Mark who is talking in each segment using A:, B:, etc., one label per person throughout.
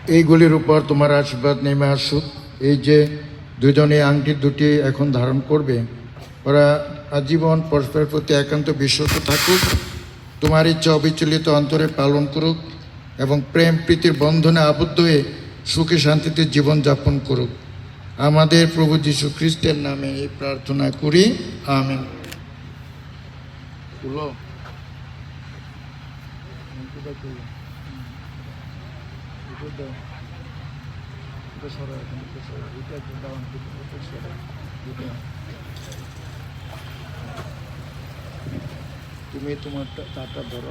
A: এইগুলির উপর তোমার আশীর্বাদ নেমে আসুক। এই যে দুজনে আংটি দুটি এখন ধারণ করবে, ওরা আজীবন পরস্পরের প্রতি একান্ত বিশ্বস্ত থাকুক, তোমার ইচ্ছা অবিচলিত অন্তরে পালন করুক এবং প্রেম প্রীতির বন্ধনে আবদ্ধ হয়ে সুখে শান্তিতে জীবনযাপন করুক। আমাদের প্রভু যীশু খ্রিস্টের নামে এই প্রার্থনা করি, আমেন। তুমি তোমার তাটা ধরো।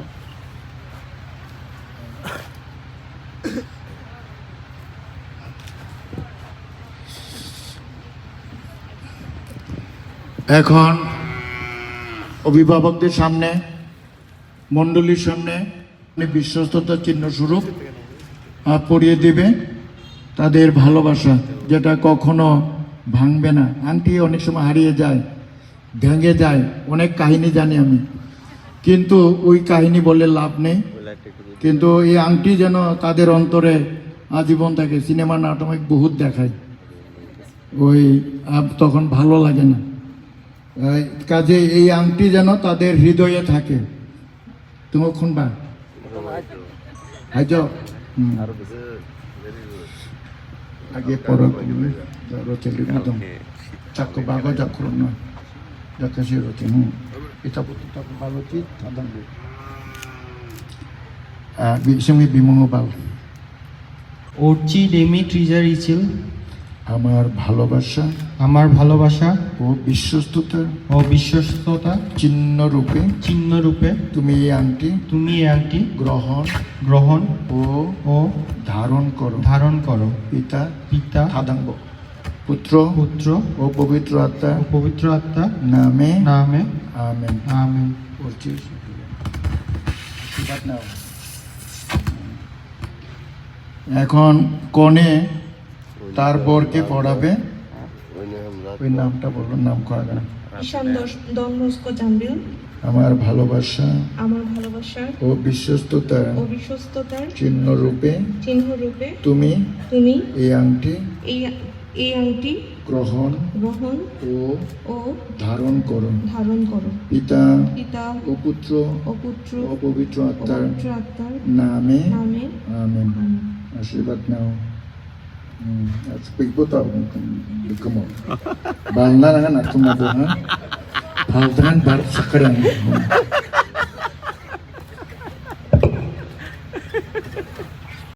A: এখন অভিভাবকদের সামনে, মণ্ডলীর সামনে বিশ্বস্ততার চিহ্ন স্বরূপ পরিয়ে দিবে তাদের ভালোবাসা, যেটা কখনো ভাঙবে না। আংটি অনেক সময় হারিয়ে যায়, ভেঙে যায়, অনেক কাহিনী জানি আমি, কিন্তু ওই কাহিনী বলে লাভ নেই। কিন্তু এই আংটি যেন তাদের অন্তরে আজীবন থাকে। সিনেমা নাটক বহুত দেখায়, ওই তখন ভালো লাগে না। কাজে এই আংটি যেন তাদের হৃদয়ে থাকে। তুমি শুনবা হাইজ আগে পর রচলি একদম চাকু বাগ যাক্ষর নয় যাকাশি রচি এটা ভালো চিত বিসমি বিমঙ্গ বাল
B: ওরচি ডেমি ট্রিজার ইচিল
A: আমার ভালোবাসা
B: ও বিশ্বস্ততা চিহ্ন রূপে
A: তুমি এই আংটি
B: গ্রহণ ও
A: ধারণ করো পিতা থাদাঙ্গ পুত্র ও পবিত্র আত্মা নামে আমেন। এখন কনে তার বরকে পড়াবে। ওই নামটা বললো, নাম করা গেল। আমার ভালোবাসা ও বিশ্বস্ততার চিহ্ন রূপে তুমি এই আংটি গ্রহণ ও ধারণ করো পিতা ও পুত্র ও পবিত্র আত্মার নামে আমেন। আশীর্বাদ নাও। Speak tahu, kamu. Bangla dengan aku mau buat, hal dengan bar sekarang.